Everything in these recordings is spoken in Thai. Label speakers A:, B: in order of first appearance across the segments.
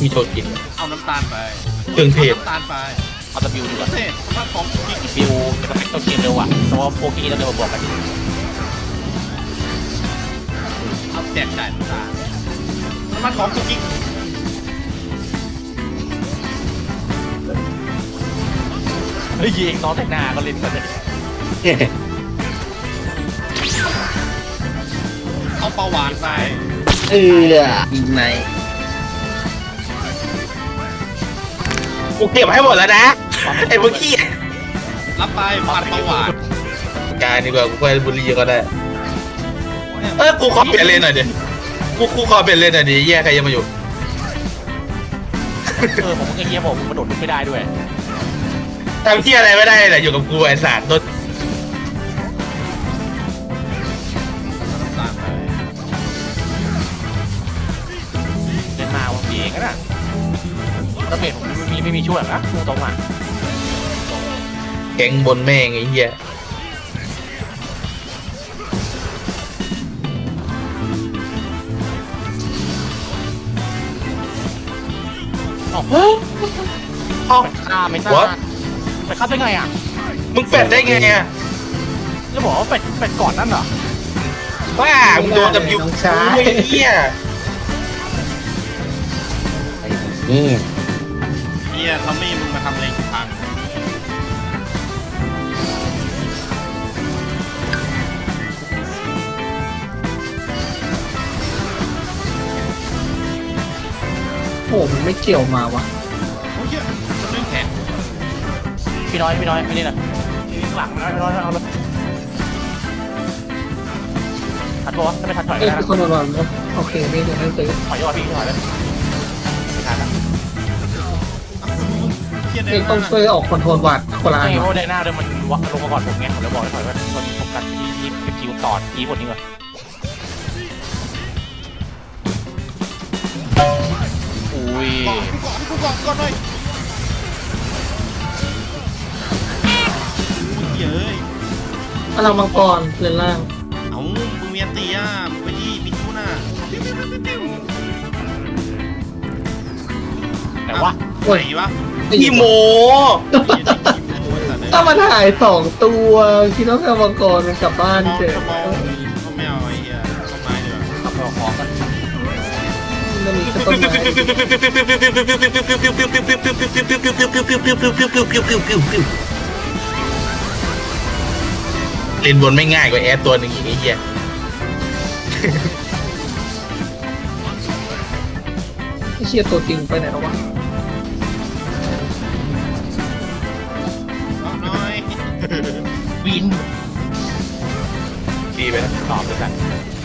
A: มีโทษกิน
B: เอาน้ำตาลไป
A: เครื่องเทศ
B: น้ำตาลไป
C: เอาตะบิวดีกว่า
B: เท่สภาพของกิ๊ก
C: บิวสเปคต้องเกมเร็วอ่ะแต่ว่าโฟกี้ต้องเดินมาบวกกัน
B: เอาแจกจ่ายน้ำตาลสภาพของกิ๊ก
C: เฮ้ยยิงน้องแต่งหน้าก็เล่นกันเลย
B: เอาปลาหวานไป
D: ยิงไหน
A: กูเก็บให้หมดแล้วนะไอ้เมื่อกี้
B: รับไปผัดปลาหวาน
A: การดีกว่ากูไปบุรีก็ได้กูขอเปลี่ยนเลนหน่อยดิกูขอเปลี่ยนเลนหน่อยดิแย่ใครยังมาอยู่
C: ผมก็เงี้ยผมกระโดดลุกไม่ได้ด้วย
A: ทำที่อะไรไม่ได้แหละอยู่กับกูไอ้สัตว์โดน
B: น้ำตาลไป
C: เล่นมาวันเองนะตะเบ็ดผมไม่มีช่วยนะตรงอ่ะ
A: แก๊งบนแม่งไอ้เหี้ย
C: ฆ่าไม่ทราบไปฆ่าได้ไงอ่ะ
A: มึงแฟดได้ไงอ่ะ
C: แล้วบอกว่าเป็ดก่อนนั่นเหรอ
A: บ้ามึงโดนดับยูไอ้เหี้ย
D: นี่
B: เฮียทอมมี่มึงมาทำอะไรกูพัง
D: โอ้มันไม่เกี่ยวมาวะ
B: โอ้ยเฮียเรื่องแขน
C: พี่น้อยไม่นี่นะหลังนะพี่น้อยเอาเลยทัดตัวถ้าไม่ทัดถอย
D: เอ้ย
C: ได้
D: คือคนนอนๆนะโอเคไม่เดี๋ยวไม่ซื้อ
C: ถอยยอดพี่ถอยเลยไม่ทันละ
B: เฮียได้
D: เอ้ยต้องช่วยออกคอนโทรลวัดคนละอัน
C: ไม่เพ
D: วะ
C: ราะไดหน้าเดิมมันวักลงมาก่อนผมไงผมเลยบอกให้ถอยว่ามันโฟกัสที่คิวต่อคีย์บทนี้ก่อนอุ้ย
B: ก่อนหน่อยเย้ย
D: พลังมังกรเลนล่าง
B: เอามึงเมียนตีอ่ะมึงไปที่มิทูน่ะ
C: แต่ว่า
D: โอ้ย
B: ไหนวะ
A: อีโม
D: ถ้ามันหาย2 ตัวคิดว่าพลังมังกรมันกลับบ้านเฉย
B: มองก็ไม่เอาไอ้เหี้ยต้นไม้ดีกว่า
C: ขับไปของกัน
D: มันมีแค่ต้นไม้
A: เล่นบนไม่ง่ายกว่าแอดตัวหนึ่งอีกไอ้เหี้ย
D: ไอ้เชียตัวจริงไปไหนแล้ววะ
B: เอาหน่อย
C: วิน
A: ดีไปนะ
C: ตอบเลยกัน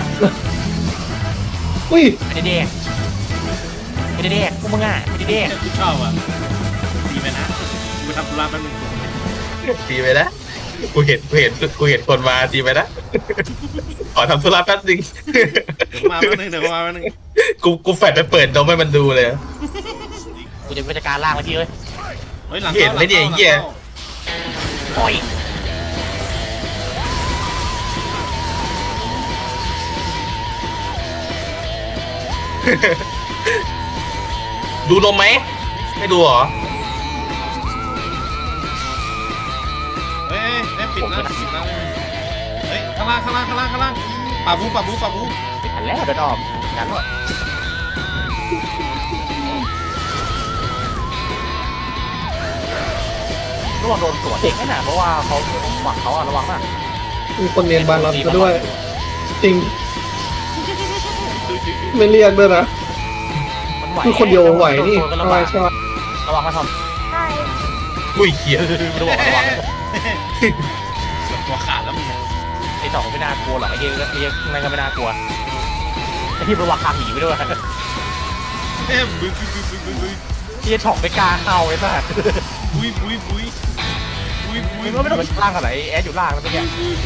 D: อุ้ย
C: ไม่ได้เด็กพวกมึงอ่ะไม่ได้เด็ก
B: กูชอบอ่ะดีไหมนะกูทำธุระแป๊บนึง
A: ดีไปนะกูเห็นคนมาดีไปนะขอทำธุระแป๊บนึง
B: มาแป๊บนึงเดี๋ยวมาแป๊บนึง
A: กูแฟดไปเปิดนมให้มันดูเลย
C: กูจะเป็นจัดการล่างมาที่เอ้ย
B: เฮ้ยหลัง
A: เห็นไหมเนี่ยไอ้เหี้ย
C: โอ้ย
A: ดูนมไหมไม่ดูเหรอ
B: เฮ้ยปิดแล้วเฮ้ยข้างล่างป่าบู
C: ไม่ทันแล้วเดินออกงั้นหมดระวังโดนสวนเด็กนั่นน่ะเพราะว่าเขาหวังเขาอะระวังนะ
D: มีคนเรียนบาลอนก็ด้วย จริง ไม่เรียกด้วยนะ
C: มันไหว
D: คือคนเดียวไหวนี่
C: ระ
D: ทำไม
C: วัง
D: ใช่ไหม
C: ระวังมาท
A: อุ้ยเหี้ย
C: ำระวัง
B: ตัวขาดแล้วมึง
C: ไอ้สองไม่น่ากลัวหรอกไอ้เหี้ยนั่นก็ไม่น่ากลัวไอ้ที่ระวังคางหนีไปด้วย
B: เอ๊ะบึ้ย
C: ที่จะถ่องไปกลางเข้าไอ้สัส
B: มึง
C: มึงก็ไม่ต้องไปล่างกันไหนแอดอยู่ล่างแล้วเมื่อกี้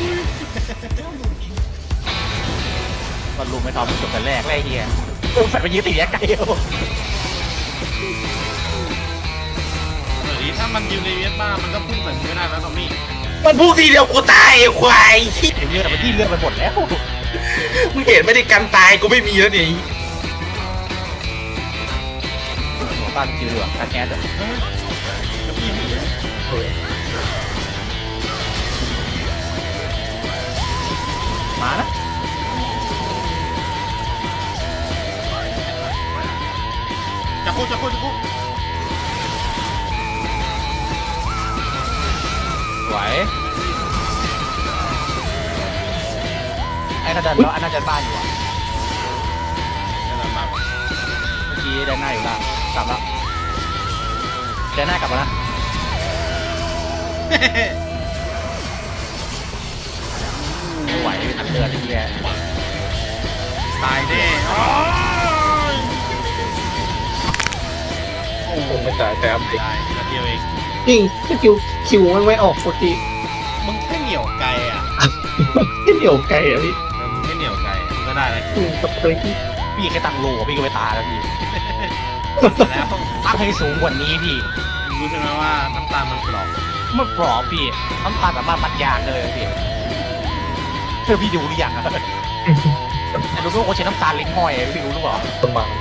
C: มันรู้ไม่ทอมจบแต่แรกไอ้เหี้ยแฟนไปยืนตีแยกไกล
B: ถ้ามันยืนในเวียดบ้ามันก็พุ่งใส่มึงไม่ได้แล้วทอมมี่
A: มันพูดทีเดียวกูตายไอ้ควาย
C: เห็นเลือดมันที่เลือดไปหมดแล้ว
A: มึงเห็นไม่ได้กันตายกูไม่มีแล้วนี่
C: บ้านจิ๋วดีกว่าการแอดอะ
B: แล้วพี่ไม่
C: มานะ
B: จะพูด
C: สวยไอ้น่าจะแล้วไอ้น่าจะบ้านอยู่อะ
B: นั่นแหละมาก
C: เมื่อกี้ได้หน้าอยู่ละกลับแล้วได้หน้ากลับมาละไม่ไหวอันเดือดไอ้เหี้ย
B: ตายแน่โอ้
A: ผมไม่ตายแต่อัพเด็ก
B: ตายนาทีเอง
D: จริงสกิลคิวมันไม่ออกปกติ
B: มึงแค่เหนียวไกลอ่ะ
D: ที่เดี่ยวไกลอ่ะพี่
B: มึงแค่เหนียวไกลมึงก็ได้แล้ว
D: ตกใจที่
C: พี่แค่ตั้งโลพี่ก็ไปตายแล้วพี่
B: แล้ว
C: ตั้งให้สูงกว่านี้พี่
B: มึงรู้ใช่ไหมว่าน้ำตาลมันกรอบ
C: มันปลอบพี่น้ำตาลสามารถมัดยางได้เลยพี่เธอพี่ดูหรือยังอะแต่รู้ว่าคนใช้น้ำตาลลิ้นห้อยอะพี่รู้หรือเปล่า
A: ประมาณ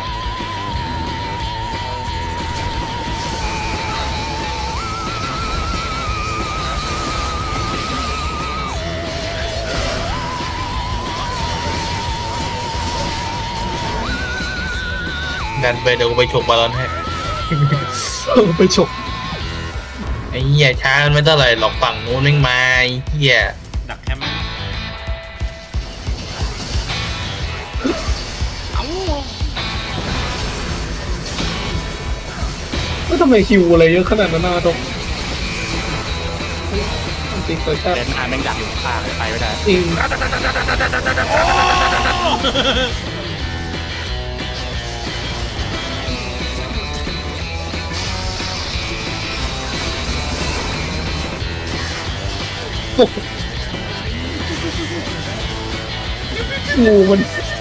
A: ดันไปเดี๋ยวกูไปฉกบอลลอนให้
D: ไปฉก
A: ไอ้เหี้ยช้ามันไม่เท่าไหร่หรอกฝั่งนู้นแม่งมาไอ้เหี้ย
B: ดักแคมป์เอ้า
D: แล้วทำไมคิวอะไรเยอะขนาดนั้นนะตรงจริงๆเลยครับ
C: เดินหน้าแม่งดักอยู่ข้างเลยไปไม่ได้
D: จริงงูมัน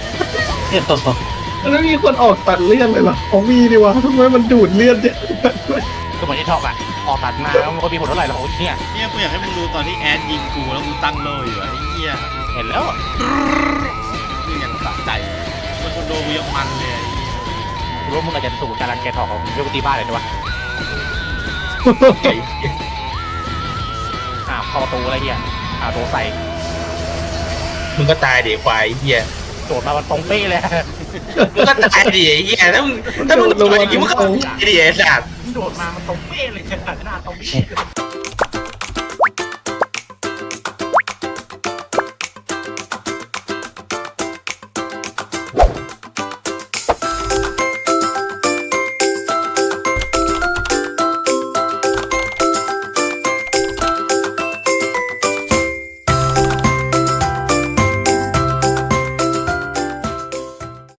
D: แล้วมีคนออกตัดเลือดเลยเหรออ๋อมีดีวะทำไมมันดูดเลือดเยอะ
C: ก็เหมือนที่ท็อกอะออกตัดมาแล้วมันก็มีผลเท่าไหร่หรอกเนี่ย
B: เนี่ยกูอยากให้มึงดูตอนที่แอดยิงกูแล้วกูตั้งโลอยู่อะไอ้เหี้ย
C: เห็นแล้วอะ
B: นี่อย่างสะใจมันคนโดนกูยังมันเลยไอ้เหี้ย
C: รู้ว่ามึงอาจจะสูงการรังแกทอกของมึงเรื่องตีบ้านเลยนะวะ
A: ไอ้เหี้ย
C: เข้าประตูอะไรเงี้ยโดนใส่
A: มึงก็ตายเดี๋ยวควายไอ้เหี้ย
C: โดดมามันตรงเป๊ะเลย
A: มึงก็ตายดิไอ้เหี้ยถ้ามึงโดนอย่างงี้มึงก็ตายดิไอ้สัตว์
C: โดดมามันตรงเป๊ะเลยหน้าตรงเป๊ะ